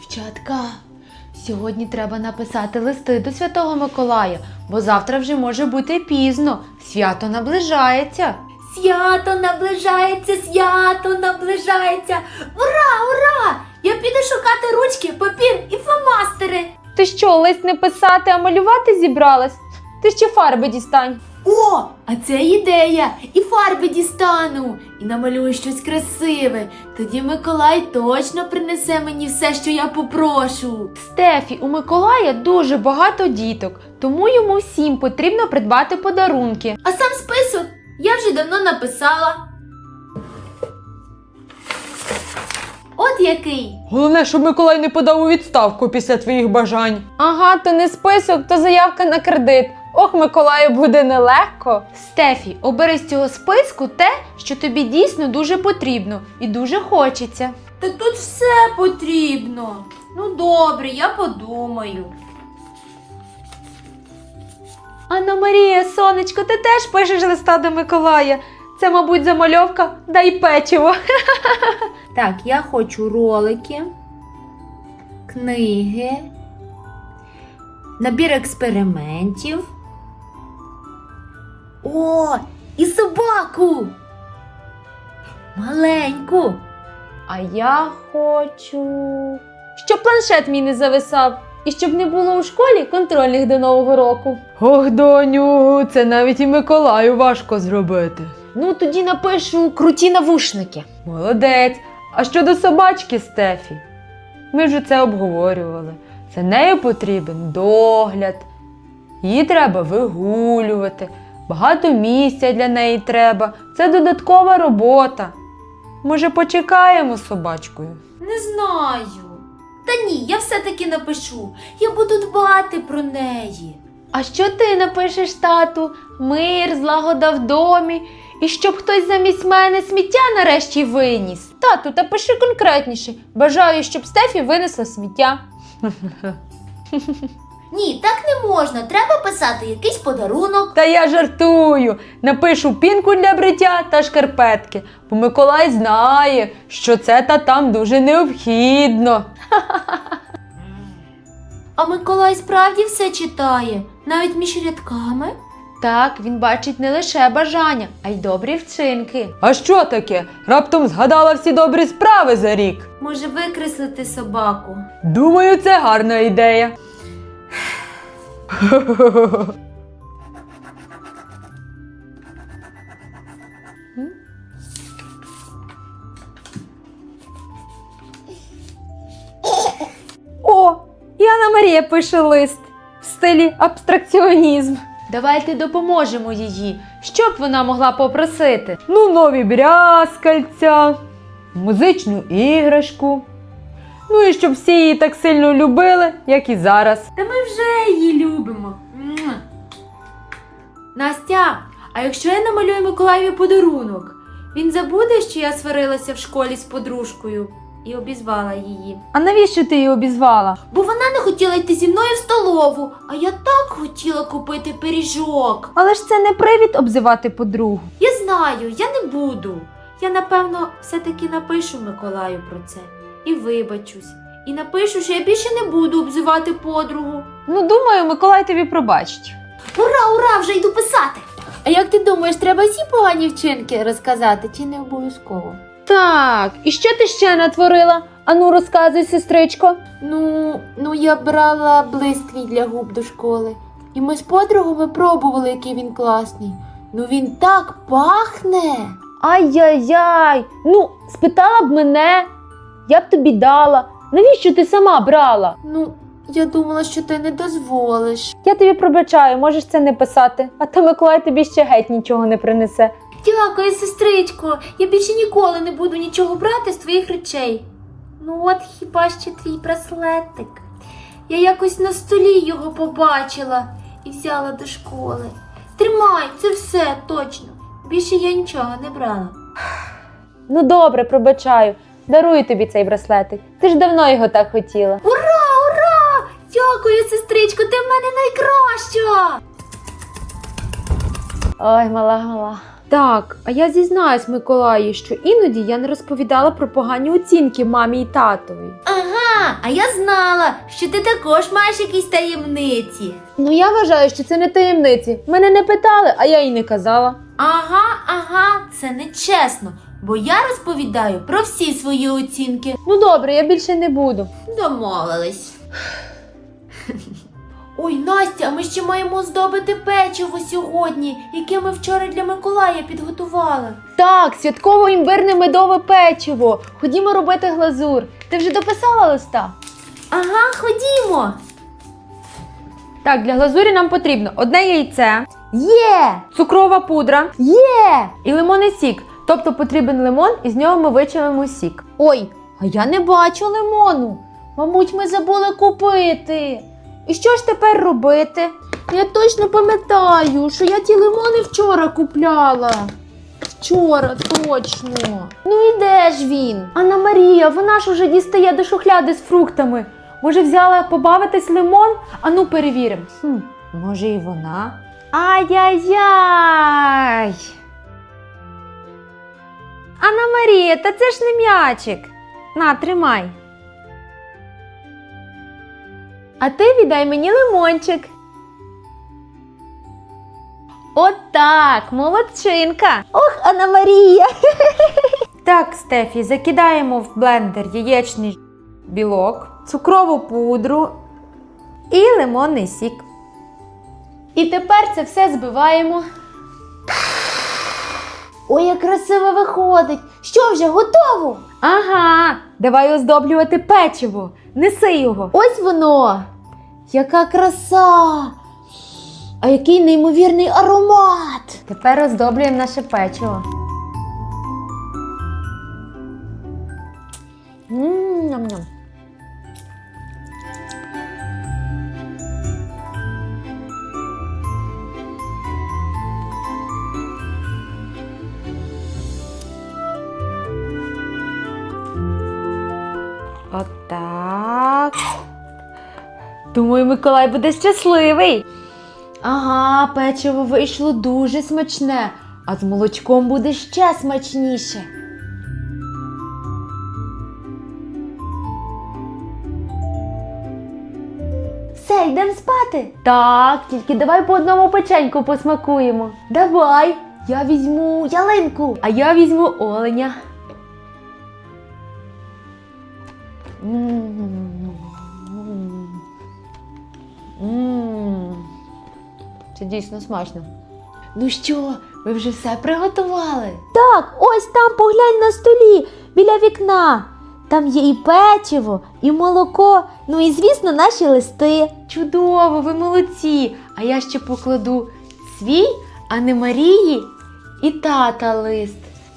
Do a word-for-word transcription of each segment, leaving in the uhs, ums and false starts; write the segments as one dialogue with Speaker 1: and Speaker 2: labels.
Speaker 1: Дівчатка, сьогодні треба написати листи до Святого Миколая, бо завтра вже може бути пізно. Свято наближається.
Speaker 2: Свято наближається, свято наближається. Ура, ура! Я піду шукати ручки, папір і фломастери.
Speaker 1: Ти що, лист не писати, а малювати зібралась? Ти ще фарби дістань.
Speaker 2: О, а це ідея! І фарби дістану, і намалюю щось красиве. Тоді Миколай точно принесе мені все, що я попрошу.
Speaker 1: Стефі, у Миколая дуже багато діток, тому йому всім потрібно придбати подарунки.
Speaker 2: А сам список я вже давно написала. От який.
Speaker 3: Головне, щоб Миколай не подав у відставку після твоїх бажань.
Speaker 1: Ага, то не список, то заявка на кредит. Ох, Миколаю буде нелегко. Стефі, обери з цього списку те, що тобі дійсно дуже потрібно і дуже хочеться.
Speaker 2: Та тут все потрібно. Ну добре, я подумаю.
Speaker 1: Анна Марія, сонечко, ти теж пишеш листа до Миколая. Це, мабуть, замальовка «Дай печиво».
Speaker 2: Так, я хочу ролики, книги, набір експериментів. О, і собаку! Маленьку.
Speaker 1: А я хочу, щоб планшет мій не зависав і щоб не було у школі контрольних до Нового року.
Speaker 3: Ох, доню, це навіть і Миколаю важко зробити.
Speaker 1: Ну, тоді напишу круті навушники.
Speaker 3: Молодець. А щодо собачки Стефі? Ми вже це обговорювали. За нею потрібен догляд. Її треба вигулювати. Багато місця для неї треба. Це додаткова робота. Може, почекаємо з собачкою?
Speaker 2: Не знаю. Та ні, я все-таки напишу. Я буду дбати про неї.
Speaker 1: А що ти напишеш, тату? Мир, злагода в домі. І щоб хтось замість мене сміття нарешті виніс. Тату, та пиши конкретніше. Бажаю, щоб Стефі винесла сміття.
Speaker 2: Ні, так не можна. Треба писати якийсь подарунок.
Speaker 3: Та я жартую. Напишу пінку для бриття та шкарпетки. Бо Миколай знає, що це та там дуже необхідно.
Speaker 2: А Миколай справді все читає, навіть між рядками.
Speaker 1: Так, він бачить не лише бажання, а й добрі вчинки.
Speaker 3: А що таке? Раптом згадала всі добрі справи за рік.
Speaker 2: Може викреслити собаку.
Speaker 3: Думаю, це гарна ідея.
Speaker 1: О, і Анна Марія пише лист в стилі абстракціонізм. Давайте допоможемо їй, що б вона могла попросити.
Speaker 3: Ну, нові брязкальця, музичну іграшку. Ну і щоб всі її так сильно любили, як і зараз.
Speaker 2: Та ми вже її любимо. Муа. Настя, а якщо я намалюю Миколаєві подарунок, він забуде, що я сварилася в школі з подружкою і обізвала її.
Speaker 1: А навіщо ти її обізвала?
Speaker 2: Бо вона не хотіла йти зі мною в столову, а я так хотіла купити пиріжок.
Speaker 1: Але ж це не привід обзивати подругу.
Speaker 2: Я знаю, я не буду. Я, напевно, все-таки напишу Миколаю про це. І вибачусь. І напишу, що я більше не буду обзивати подругу.
Speaker 1: Ну, думаю, Миколай тобі пробачить.
Speaker 2: Ура, ура, вже йду писати. А як ти думаєш, треба всі погані вчинки розказати, чи не обов'язково?
Speaker 1: Так, і що ти ще натворила? Ану, розказуй, сестричко.
Speaker 2: Ну, ну я брала блиск для губ до школи. І ми з подругами пробували, який він класний. Ну він так пахне.
Speaker 1: Ай-яй-яй, ну, спитала б мене, я б тобі дала. Навіщо ти сама брала?
Speaker 2: Ну, я думала, що ти не дозволиш.
Speaker 1: Я тобі пробачаю, можеш це не писати, а то Миколай тобі ще геть нічого не принесе.
Speaker 2: Дякую, сестричко. Я більше ніколи не буду нічого брати з твоїх речей. Ну от хіба ще твій браслетик. Я якось на столі його побачила і взяла до школи. Тримай, це все, точно. Більше я нічого не брала.
Speaker 1: Ну добре, пробачаю, дарую тобі цей браслетик. Ти ж давно його так хотіла.
Speaker 2: Ура, ура! Дякую, сестричко, ти в мене найкраща!
Speaker 1: Ой, мала, мала. Так, а я зізнаюсь Миколаю, що іноді я не розповідала про погані оцінки мамі і татові.
Speaker 2: Ага, а я знала, що ти також маєш якісь таємниці.
Speaker 1: Ну я вважаю, що це не таємниці. Мене не питали, а я й не казала.
Speaker 2: Ага, ага, це нечесно, бо я розповідаю про всі свої оцінки.
Speaker 1: Ну добре, я більше не буду.
Speaker 2: Домовились. Ой, Настя, а ми ще маємо здобити печиво сьогодні, яке ми вчора для Миколая підготували.
Speaker 1: Так, святково імбирне медове печиво. Ходімо робити глазур. Ти вже дописала листа?
Speaker 2: Ага, ходімо.
Speaker 1: Так, для глазурі нам потрібно одне яйце. Є! Цукрова пудра. Є! І лимонний сік. Тобто потрібен лимон, і з нього ми вичавимо сік. Ой, а я не бачу лимону. Мабуть, ми забули купити. І що ж тепер робити? Я точно пам'ятаю, що я ті лимони вчора купляла. Вчора, точно. Ну і де ж він? Анна Марія, вона ж уже дістає до шухляди з фруктами. Може, взяла побавитись лимон? Ану, перевіримо. Хм, може і вона? Ай-яй-яй! Анна Марія, та це ж не м'ячик. На, тримай. А ти віддай мені лимончик. Отак, молодчинка. Ох, Анна Марія. Так, Стефі, закидаємо в блендер яєчний білок, цукрову пудру і лимонний сік. І тепер це все збиваємо.
Speaker 2: Ой, як красиво виходить. Що, вже готово?
Speaker 1: Ага, давай оздоблювати печиво. Неси його.
Speaker 2: Ось воно. Яка краса. А який неймовірний аромат.
Speaker 1: Тепер оздоблюємо наше печиво. Ммм, ням-ням. Отак. Думаю, Миколай буде щасливий. Ага, печиво вийшло дуже смачне, а з молочком буде ще смачніше. Все, йдемо спати? Так, тільки давай по одному печеньку посмакуємо. Давай, я візьму ялинку, а я візьму оленя. Ммм, це дійсно смачно. Ну що, ви вже все приготували?
Speaker 2: Так, ось там поглянь на столі, біля вікна. Там є і печиво, і молоко, ну і, звісно, наші листи.
Speaker 1: Чудово, ви молодці! А я ще покладу свій, Анни Марії і тата лист.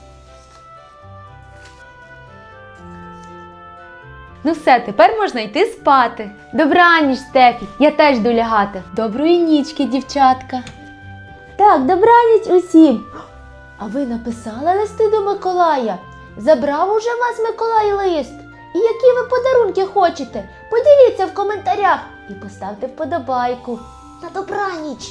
Speaker 1: Ну все, тепер можна йти спати. Добраніч, Стефі, я теж йду лягати. Доброї нічки, дівчатка.
Speaker 2: Так, добраніч усім. А ви написали листи до Миколая? Забрав уже вас Миколай лист? І які ви подарунки хочете? Поділіться в коментарях і поставте вподобайку. На добраніч!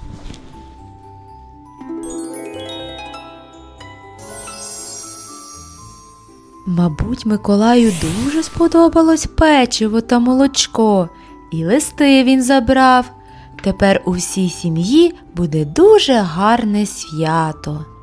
Speaker 3: Мабуть, Миколаю дуже сподобалось печиво та молочко, і листи він забрав. Тепер у всій сім'ї буде дуже гарне свято.